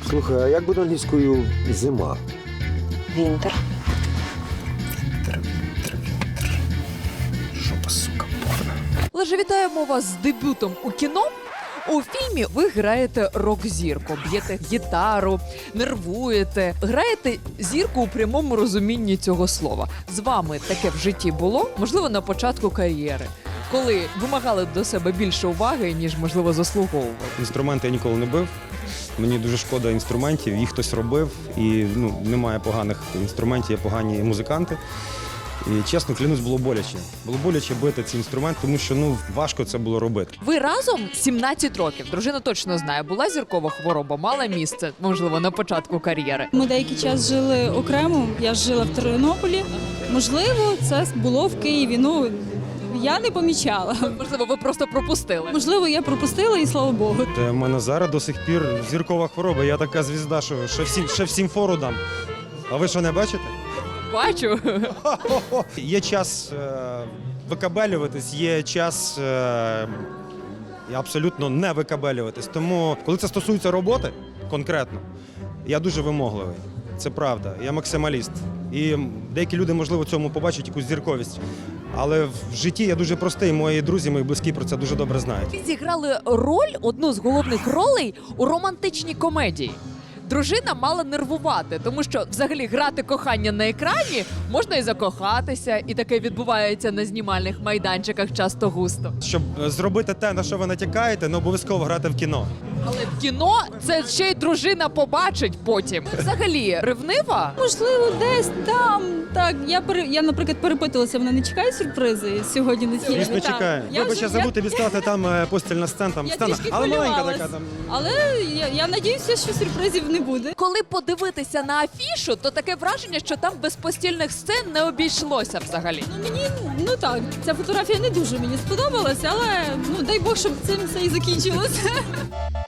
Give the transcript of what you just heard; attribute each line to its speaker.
Speaker 1: Слухай, а як буде англійською зима?
Speaker 2: Вінтер.
Speaker 1: Жопа, сука, порно.
Speaker 3: Леже, вітаємо вас з дебютом у кіно. У фільмі ви граєте рок-зірку, б'єте гітару, нервуєте, граєте зірку у прямому розумінні цього слова. З вами таке в житті було, можливо, на початку кар'єри, коли вимагали до себе більше уваги, ніж, можливо, заслуговували.
Speaker 4: Інструменти я ніколи не бив. Мені дуже шкода інструментів, їх хтось робив, і немає поганих інструментів, є погані музиканти. І чесно, клянусь, було боляче. Було боляче бити ці інструменти, тому що важко це було робити.
Speaker 3: Ви разом 17 років, дружина точно знає, була зіркова хвороба, мала місце, можливо, на початку кар'єри.
Speaker 5: Ми деякий час жили окремо, я жила в Тернополі. Можливо, це було в Києві, я не помічала.
Speaker 3: Можливо, ви просто пропустили.
Speaker 5: Можливо, я пропустила і слава Богу.
Speaker 4: У мене зараз до сих пір зіркова хвороба, я така звізда, що ще всім фору дам. А ви що, не бачите?
Speaker 3: Бачу.
Speaker 4: Є час викабелюватись, є час абсолютно не викабелюватись. Тому, коли це стосується роботи конкретно, я дуже вимогливий. Це правда, я максималіст. І деякі люди, можливо, в цьому побачать якусь зірковість. Але в житті я дуже простий, мої друзі, мої близькі про це дуже добре знають.
Speaker 3: Ви зіграли роль, одну з головних ролей у романтичній комедії. Дружина мала нервувати, тому що взагалі грати кохання на екрані можна і закохатися, і таке відбувається на знімальних майданчиках часто густо.
Speaker 4: Щоб зробити те, на що ви натякаєте, не обов'язково грати в кіно.
Speaker 3: Але в кіно це ще й дружина побачить потім. Взагалі, ревнива?
Speaker 5: Можливо, десь там. Так, я, наприклад, перепитувалася, вона не чекає сюрпризи сьогодні на цій.
Speaker 4: Звісно, чекає. Вибач, я забув тобі сказати, там постільна сцена, там
Speaker 5: Я
Speaker 4: сцена,
Speaker 5: трішки
Speaker 4: але маленька
Speaker 5: хвилювалась.
Speaker 4: така там.
Speaker 5: Але я надіюся, що сюрпризів не буде.
Speaker 3: Коли подивитися на афішу, то таке враження, що там без постільних сцен не обійшлося взагалі.
Speaker 5: Мені, так, ця фотографія не дуже мені сподобалася, але дай Бог, щоб цим все і закінчилося.